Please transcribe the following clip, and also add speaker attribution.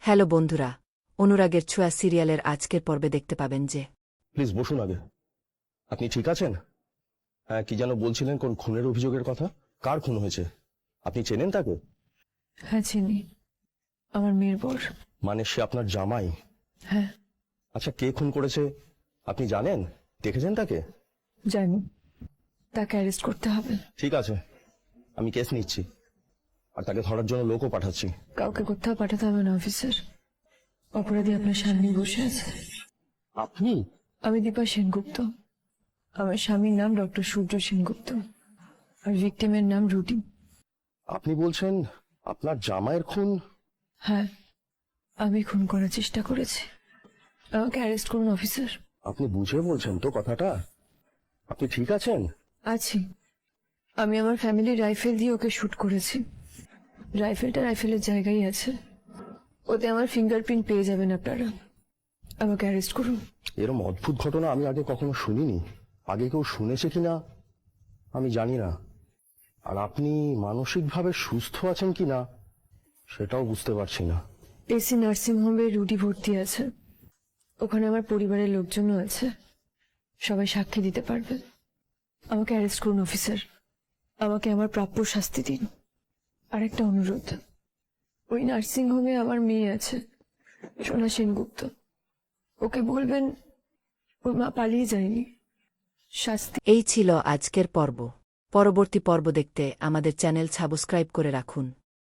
Speaker 1: Hello বন্ধুরা, অনুরাগের ছোঁয়া সিরিয়ালের আজকের পর্বে দেখতে পাবেন যে
Speaker 2: প্লিজ বসুন আগে। আপনি ঠিক আছেন? হ্যাঁ, কি যেন বলছিলেন, কোন খুনের অভিযোগের কথা? কার খুন হয়েছে? আপনি চেনেন তাকে?
Speaker 3: হ্যাঁ চিনি, আমার মেয়ের বর।
Speaker 2: মানে সে আপনার জামাই?
Speaker 3: হ্যাঁ
Speaker 2: আচ্ছা, কে খুন করেছে আপনি জানেন? দেখেছেন তাকে?
Speaker 3: জানি, তাকে অ্যারেস্ট করতে হবে।
Speaker 2: ঠিক আছে, আমি কেস নিচ্ছি, আর তাকে ধরার জন্য লোকও পাঠাচ্ছি।
Speaker 3: কাউকে কোথাও পাঠাতে হবে না অফিসার, অপরাধী আপনার সামনেই বসে আছে।
Speaker 2: আপনি?
Speaker 3: আমি দীপা সেনগুপ্ত, আমার স্বামীর নাম ডক্টর সূর্য সেনগুপ্ত, আর ভিকটিমের নাম রুটি।
Speaker 2: আপনি বলছেন আপনার জামাইয়ের খুন?
Speaker 3: হ্যাঁ, আমি খুন করার চেষ্টা করেছি, আমাকে অ্যারেস্ট করুন অফিসার।
Speaker 2: আপনি বুঝে বলছেন তো কথাটা? আপনি ঠিক আছেন?
Speaker 3: আছি, আমি আমার ফ্যামিলির রাইফেল দিয়ে ওকে শুট করেছি। রাইফেলটা রাইফেলের জায়গায় আছে, ওতে আমার ফিঙ্গারপ্রিন্ট পেয়ে যাবেন আপনারা। আমাকে অ্যারেস্ট করুন।
Speaker 2: এরম অদ্ভুত ঘটনা আমি আগে কখনো শুনিনি। আগে কেউ শুনেছে কিনা আমি জানি না, আর আপনি মানসিকভাবে সুস্থ আছেন কিনা সেটাও বুঝতে পারছি না।
Speaker 3: এসি নার্সিংহোমে রুটি ভর্তি আছে, ওখানে আমার পরিবারের লোকজনও আছে, সবাই সাক্ষী দিতে পারবে। আমাকে অ্যারেস্ট করুন অফিসার, আমাকে আমার প্রাপ্য শাস্তি দিন। আর একটা অনুরোধ, ওই নার্সিংহোমে আমার মেয়ে আছে, সোনা সেনগুপ্ত, ওকে বলবেন ওর মা পালিয়ে যায়নি। শাস্তি।
Speaker 1: এই ছিল আজকের পর্ব। পরবর্তী পর্ব দেখতে আমাদের চ্যানেল সাবস্ক্রাইব করে রাখুন।